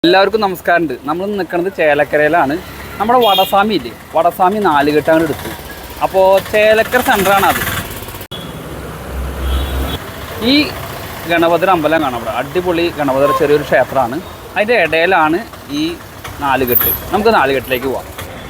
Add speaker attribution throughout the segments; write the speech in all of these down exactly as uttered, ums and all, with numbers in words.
Speaker 1: എല്ലാവർക്കും നമസ്കാരമുണ്ട്. നമ്മൾ നിൽക്കുന്നത് ചേലക്കരയിലാണ്. നമ്മുടെ വടസ്വാമി ഇല്ലേ, വടസ്വാമി നാലുകെട്ടാണ് എടുത്തു. അപ്പോൾ ചേലക്കര സെൻ്ററാണ് അത്. ഈ ഗണപതിയുടെ അമ്പലം കാണാം. ഇവിടെ അടിപൊളി ഗണപതിയുടെ ചെറിയൊരു ക്ഷേത്രമാണ്. അതിൻ്റെ ഇടയിലാണ് ഈ നാലുകെട്ട്. നമുക്ക് നാലുകെട്ടിലേക്ക് പോവാം.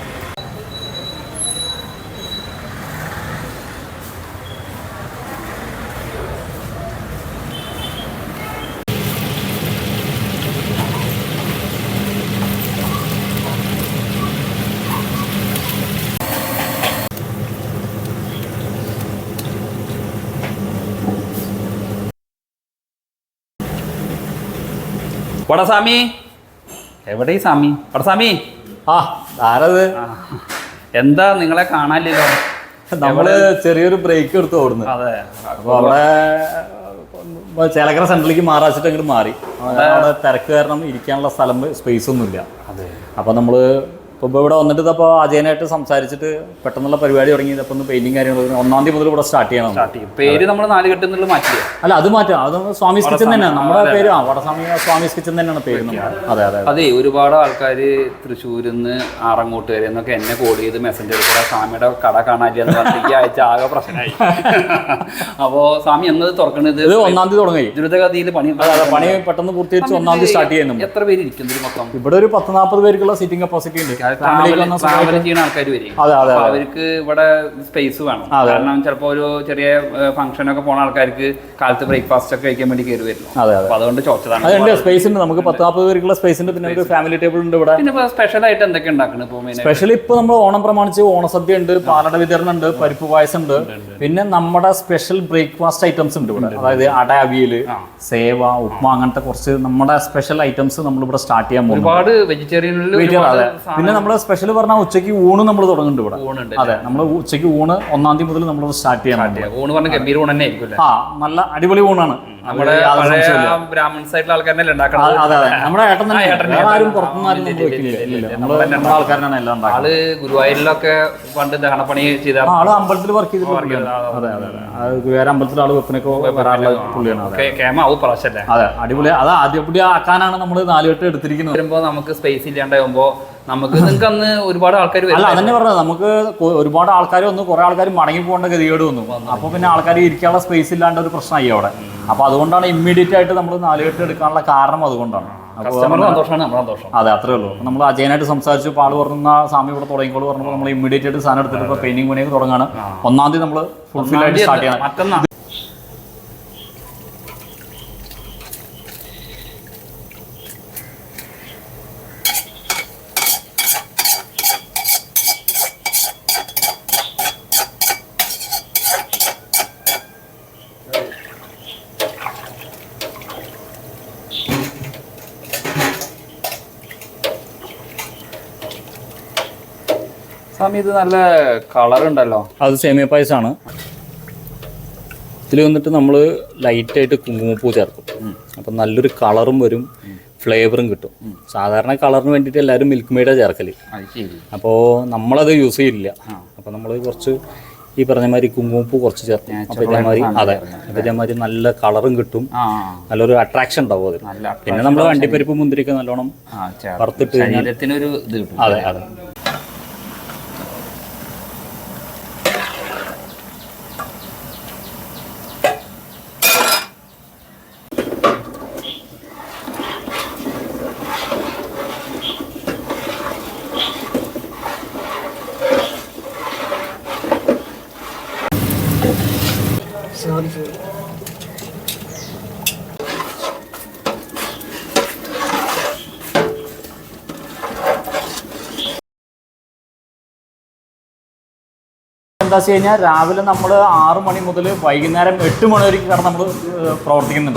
Speaker 1: വടസ്വാമി എവിടെ ഈ സ്വാമി? വടസ്വാമി
Speaker 2: ആ ആരത്?
Speaker 1: എന്താ നിങ്ങളെ കാണാനില്ലല്ലോ.
Speaker 2: നമ്മള് ചെറിയൊരു ബ്രേക്ക് എടുത്ത് ഓടുന്നു.
Speaker 1: അതെ,
Speaker 2: അപ്പൊ അവിടെ ചേലക്കര സെന്ററിലേക്ക് മാറാച്ചിട്ട് അങ്ങോട്ട് മാറി. അവിടെ തിരക്ക് കാരണം ഇരിക്കാനുള്ള സ്ഥലം സ്പേസ് ഒന്നുമില്ല.
Speaker 1: അതെ,
Speaker 2: അപ്പൊ നമ്മള് ഇപ്പോൾ ഇവിടെ വന്നിട്ട് ഇപ്പോൾ അജയനായിട്ട് സംസാരിച്ചിട്ട് പെട്ടെന്നുള്ള പരിപാടി തുടങ്ങി. ഇപ്പം ഒന്ന് പെയിന്റിങ് കാര്യങ്ങൾ ഒന്നാം തീയതി മുതൽ ഇവിടെ സ്റ്റാർട്ട് ചെയ്യണം.
Speaker 1: സ്റ്റാർട്ട് ചെയ്യും. പേര് നമ്മൾ നാലുകെട്ട് എന്നുള്ള മാറ്റിയോ?
Speaker 2: അല്ല, അത് മാറ്റാം. അത് സ്വാമീസ് കിച്ചൻ തന്നെയാണ് നമ്മുടെ പേര്. ആ വടസ്വാമി സ്വാമീസ് കിച്ചൻ തന്നെയാണ് പേര്. അതെ അതെ അതെ.
Speaker 1: ഒരുപാട് ആൾക്കാർ തൃശ്ശൂരിൽ നിന്ന് ആറങ്ങോട്ട് വരെ എന്നൊക്കെ എന്നെ കോൾ ചെയ്ത് മെസ്സഞ്ചറിൽ കൂടെ സ്വാമിയുടെ കട കാണാനില്ലെന്ന് പറഞ്ഞ ആഴ്ച ആകെ പ്രശ്നമായി. അപ്പോൾ സ്വാമി എന്നത് തുറക്കുന്നത്
Speaker 2: ഇത് ഒന്നാം തീയതി തുടങ്ങി.
Speaker 1: ദ്രുതഗതിയിൽ പണി
Speaker 2: പണി പെട്ടെന്ന് പൂർത്തീകരിച്ച് ഒന്നാം തീയതി സ്റ്റാർട്ട് ചെയ്യുന്നുണ്ട്.
Speaker 1: എത്ര പേര് ഇരിക്കുന്നത് മൊത്തം?
Speaker 2: ഇവിടെ ഒരു പത്ത് നാൽപ്പത് പേർക്കുള്ള സീറ്റിംഗ് കപ്പാസിറ്റി ഉണ്ട്.
Speaker 1: ട്രാവൽ ചെയ്യുന്ന ആൾക്കാർ വരും. അവർക്ക് ഇവിടെ സ്പേസ് വേണം. കാരണം ചിലപ്പോൾ ഒരു ചെറിയ ഫംഗ്ഷനൊക്കെ പോണ ആൾക്കാർക്ക് കാലത്ത് ബ്രേക്ക്ഫാസ്റ്റ് ഒക്കെ കഴിക്കാൻ വേണ്ടി കയറി വരുന്നു. അപ്പൊ അതുകൊണ്ട് ചോദിച്ചതാണ്.
Speaker 2: അതുണ്ട്, സ്പേസ് ഉണ്ട്. നമുക്ക് പത്ത് നാൽപ്പത് പേർക്കുള്ള സ്പേസ് ഉണ്ട്. പിന്നെ ഒരു ഫാമിലി ടേബിൾ ഉണ്ട് ഇവിടെ.
Speaker 1: പിന്നെ സ്പെഷ്യൽ ആയിട്ട് എന്തൊക്കെ ഉണ്ടാക്കണം? ഇപ്പോൾ
Speaker 2: സ്പെഷ്യൽ ഇപ്പൊ നമ്മൾ ഓണം പ്രമാണിച്ച് ഓണസദ്യ ഉണ്ട്, പാലട വിതരണം ഉണ്ട്, പരിപ്പ് പായസം ഉണ്ട്. പിന്നെ നമ്മുടെ സ്പെഷ്യൽ ബ്രേക്ക്ഫാസ്റ്റ് ഐറ്റംസ് ഉണ്ട് ഇവിടെ. അതായത് അട, അവിയല്, സേവ, ഉപ്മ, അങ്ങനത്തെ കുറച്ച് നമ്മുടെ സ്പെഷ്യൽ ഐറ്റംസ് നമ്മൾ ഇവിടെ സ്റ്റാർട്ട് ചെയ്യാൻ പോകും.
Speaker 1: ഒരുപാട് വെജിറ്റേറിയൻ.
Speaker 2: പിന്നെ നമ്മള് സ്പെഷ്യൽ പറഞ്ഞാൽ ഉച്ചയ്ക്ക് ഊണ് നമ്മൾ തുടങ്ങുന്നുണ്ട് ഇവിടെ. അതെ, നമ്മൾ ഉച്ചയ്ക്ക് ഊണ് ഒന്നാം തീയതി മുതൽ നമ്മൾ സ്റ്റാർട്ട് ചെയ്യാൻ.
Speaker 1: ഊണ് പറഞ്ഞ ഗംഭീര ഊണ് തന്നെ ആയിരിക്കും.
Speaker 2: ആ, നല്ല അടിപൊളി ഊണാണ്.
Speaker 1: നമ്മുടെ ബ്രാഹ്മൺ സൈഡിലെ ആൾക്കാരല്ലേ ഉണ്ടാക്കുന്നത്.
Speaker 2: അതെ അതെ, നമ്മുടെ ഏട്ടൻ തന്നെ. ആരും പുറത്തുനിന്ന് നമ്മുടെ ആൾക്കാരാണ് എല്ലാം.
Speaker 1: ആള് ഗുരുവായൂരിലൊക്കെ പണ്ട് ദഹനപ്പണി ചെയ്ത
Speaker 2: ആള് അമ്പലത്തിൽ വർക്ക് ചെയ്തിട്ടുണ്ട്. അതെ അതെ അതെ, ഗുരുവായൂർ അമ്പലത്തിൽ ആള് വെപ്പിനൊക്കെ വരാറുള്ള പുള്ളിയാണ്. അതെ, അടിപൊളി. അത് ആദ്യപടി ആക്കാനാണ് നമ്മൾ നാലുകെട്ട് എടുത്തിരിക്കുന്നത്.
Speaker 1: വരുമ്പോ നമുക്ക് സ്പേസ് ഇല്ലാണ്ടാകുമ്പോ നമുക്ക് നിങ്ങൾക്ക് അന്ന് ഒരുപാട് ആൾക്കാർ
Speaker 2: അല്ല അതന്നെ പറഞ്ഞത്. നമുക്ക് ഒരുപാട് ആൾക്കാർ വന്നു, കുറെ ആൾക്കാർ മടങ്ങി പോകേണ്ട ഗതികേട് വന്നു. അപ്പൊ പിന്നെ ആൾക്കാർ ഇരിക്കാനുള്ള സ്പേസ് ഇല്ലാണ്ട് ഒരു പ്രശ്നമായി അവിടെ. അപ്പൊ അതുകൊണ്ടാണ് ഇമ്മീഡിയറ്റ് ആയിട്ട് നമ്മൾ നാലുകെട്ട് എടുക്കാനുള്ള കാരണം. അതുകൊണ്ടാണ്. അതെ, അത്രേ ഉള്ളൂ. നമ്മൾ അജയനായിട്ട് സംസാരിച്ചു. പാട് പറഞ്ഞ സ്വാമി ഇവിടെ തുടങ്ങിക്കോളൂ പറഞ്ഞപ്പോൾ നമ്മൾ ഇമ്മീഡിയറ്റ് ആയിട്ട് സാധനം എടുത്തിട്ട് ഇപ്പൊ പെയിന്റിംഗ് പണിയൊക്കെ തുടങ്ങാണ്. ഒന്നാം തീയതി നമ്മൾ ഫുൾഫിൽ ആയിട്ട് സ്റ്റാർട്ട് ചെയ്യണം.
Speaker 1: സ്വാമി ഇത് നല്ല കളർ ഉണ്ടല്ലോ.
Speaker 2: അത് സേമിയ പായസമാണ്. ഇതിൽ വന്നിട്ട് നമ്മൾ ലൈറ്റായിട്ട് കുങ്കുമപ്പൂ ചേർക്കും. അപ്പം നല്ലൊരു കളറും വരും, ഫ്ലേവറും കിട്ടും. സാധാരണ കളറിന് വേണ്ടിയിട്ട് എല്ലാവരും മിൽക്ക് മെയ്ഡാണ് ചേർക്കല്. അപ്പോൾ നമ്മളത് യൂസ് ചെയ്യില്ല. അപ്പോൾ നമ്മൾ കുറച്ച് ഈ പറഞ്ഞ മാതിരി കുങ്കുമപ്പൂ കുറച്ച് ചേർക്കും. അപ്പോൾ ഇതേമാതിരി അതെ ഇതേമാതിരി നല്ല കളറും കിട്ടും, നല്ലൊരു അട്രാക്ഷൻ ഉണ്ടാവും അതിൽ. പിന്നെ നമ്മൾ അണ്ടിപ്പരിപ്പ് മുന്തിരിക്ക് നല്ലോണം വറുത്തിട്ട്
Speaker 1: ശരീരത്തിനൊരു ഇത് കിട്ടും.
Speaker 2: അതെ അതെ. എന്താ വെച്ച് കഴിഞ്ഞാൽ രാവിലെ നമ്മൾ ആറ് മണി മുതൽ വൈകുന്നേരം എട്ട് മണി വരെ കാരണം നമ്മൾ പ്രവർത്തിക്കുന്നുണ്ട്.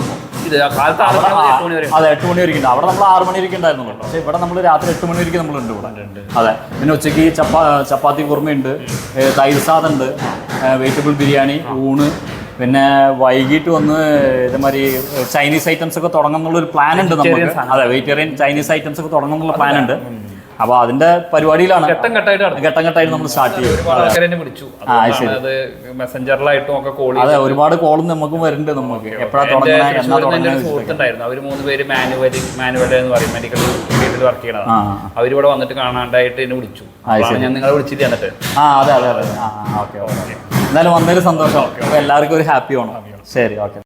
Speaker 2: അതെ, എട്ട് മണി വരെ ഉണ്ട്. അവിടെ നമ്മൾ ആറ് മണി വരെ ഉണ്ടായിരുന്നു. പക്ഷേ ഇവിടെ നമ്മൾ രാത്രി എട്ട് മണി വരെ നമ്മളുണ്ട് ഇവിടെ. അതെ, പിന്നെ ഉച്ചയ്ക്ക് ചപ്പാ ചപ്പാത്തി കുറുമയുണ്ട്, തൈര് സാദം ഉണ്ട്, വെജിറ്റബിൾ ബിരിയാണി, ഊണ്. പിന്നെ വൈകിട്ട് വന്ന് ഇതേമാതിരി ചൈനീസ് ഐറ്റംസ് ഒക്കെ തുടങ്ങുന്നുള്ളൊരു പ്ലാൻ ഉണ്ട് നമുക്ക്. അതെ, വെജിറ്റേറിയൻ ചൈനീസ് ഐറ്റംസ് ഒക്കെ തുടങ്ങുന്നുള്ള പ്ലാൻ ഉണ്ട്. അപ്പോൾ അതിന്റെ പരിപാടിയിലാണ്
Speaker 1: ഘട്ടം ഘട്ടമായിട്ട്
Speaker 2: ഘട്ടം ഘട്ടമായിട്ട് നമ്മൾ സ്റ്റാർട്ട് ചെയ്യും.
Speaker 1: ഒരുപാട് ആൾക്കാരെ എന്നെ വിളിച്ചു, അത് മെസ്സഞ്ചറിലായിട്ടും ഒക്കെ കോൾ.
Speaker 2: അതെ, ഒരുപാട് കോളും നമുക്കും വരുന്നുണ്ട്. നമുക്ക് എപ്പോഴാണ് തുടങ്ങുന്നത് എന്നാ തുടങ്ങുന്നത്.
Speaker 1: സുഹൃത്തുണ്ടായിരുന്നു, അവർ മൂന്ന് പേര് മാനുവൽ മാനുവൽ എന്ന് പറയും, മെഡിക്കൽ ഫീൽഡിൽ വർക്ക് ചെയ്യണതാണ്. അവരിവിടെ വന്നിട്ട് കാണാണ്ടായിട്ട് എന്നെ വിളിച്ചു. ഞാൻ നിങ്ങളെ വിളിച്ചിട്ട് എന്നിട്ട്
Speaker 2: ആ അതെ അതെ അതെ ആ ഓക്കെ ഓക്കെ. എന്തായാലും വന്നതിൽ സന്തോഷം. എല്ലാവർക്കും ഒരു ഹാപ്പി ഓണം. ശരി, ഓക്കെ.